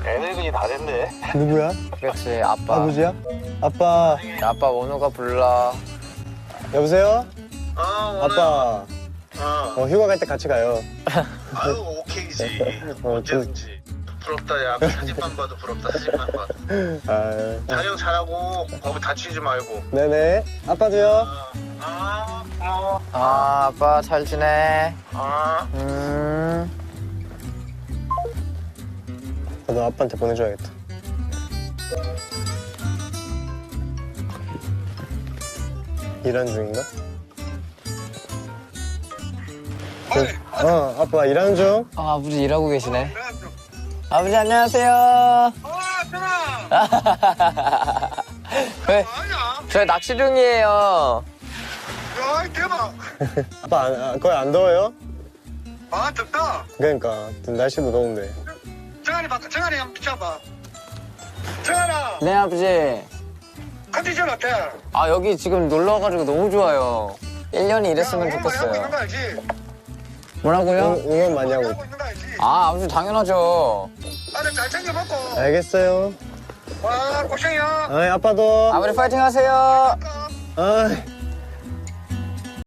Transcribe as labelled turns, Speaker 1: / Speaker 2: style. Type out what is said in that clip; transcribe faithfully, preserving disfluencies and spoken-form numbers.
Speaker 1: 애늙은이 다 됐네.
Speaker 2: 누구야?
Speaker 3: 그렇지, 아빠.
Speaker 2: 아버지야? 아빠.
Speaker 3: 아빠 원호가 불러.
Speaker 2: 여보세요?
Speaker 1: 어, 오늘.
Speaker 2: 아빠.
Speaker 1: 어.
Speaker 2: 어, 휴가 갈 때 같이 가요.
Speaker 1: 아유, 오케이지.
Speaker 2: 어,
Speaker 1: 언제든지. 부럽다, 야. 사진만 봐도 부럽다, 사진만 봐도.
Speaker 2: 아,
Speaker 1: 촬영 잘하고, 거기 다치지 말고.
Speaker 2: 네네. 아빠도요.
Speaker 1: 아, 어,
Speaker 3: 아, 아빠 잘 지내?
Speaker 1: 아.
Speaker 3: 음.
Speaker 2: 나도 아빠한테 보내줘야겠다. 일하는 중인가? 어, 어, 아빠 일하는 중.
Speaker 3: 아, 아버지 일하고 계시네. 아버지 안녕하세요.
Speaker 1: 아, 편아.
Speaker 3: 네,
Speaker 1: 아니야.
Speaker 3: 저희 낚시 중이에요.
Speaker 1: 야, 대박.
Speaker 2: 아빠 안, 아, 거의 안 더워요?
Speaker 1: 아, 덥다.
Speaker 2: 그러니까 날씨도 더운데.
Speaker 1: 정한이 봐, 정한이 한번 비춰봐. 정한아,
Speaker 3: 네, 아버지.
Speaker 1: 컨디션 어때?
Speaker 3: 아, 여기 지금 놀러 와가지고 너무 좋아요. 일 년이 이랬으면
Speaker 1: 야, 응원 많이 하고 있는
Speaker 3: 좋겠어요.
Speaker 1: 거 알지?
Speaker 3: 뭐라고요?
Speaker 2: 응, 응원 많이 하고.
Speaker 1: 하고 있는 거 알지?
Speaker 3: 아, 아버지 당연하죠.
Speaker 1: 아들 잘 챙겨 먹고.
Speaker 2: 알겠어요.
Speaker 1: 와, 고생이야.
Speaker 2: 아, 아빠도.
Speaker 3: 아버지 파이팅 하세요.
Speaker 2: 아.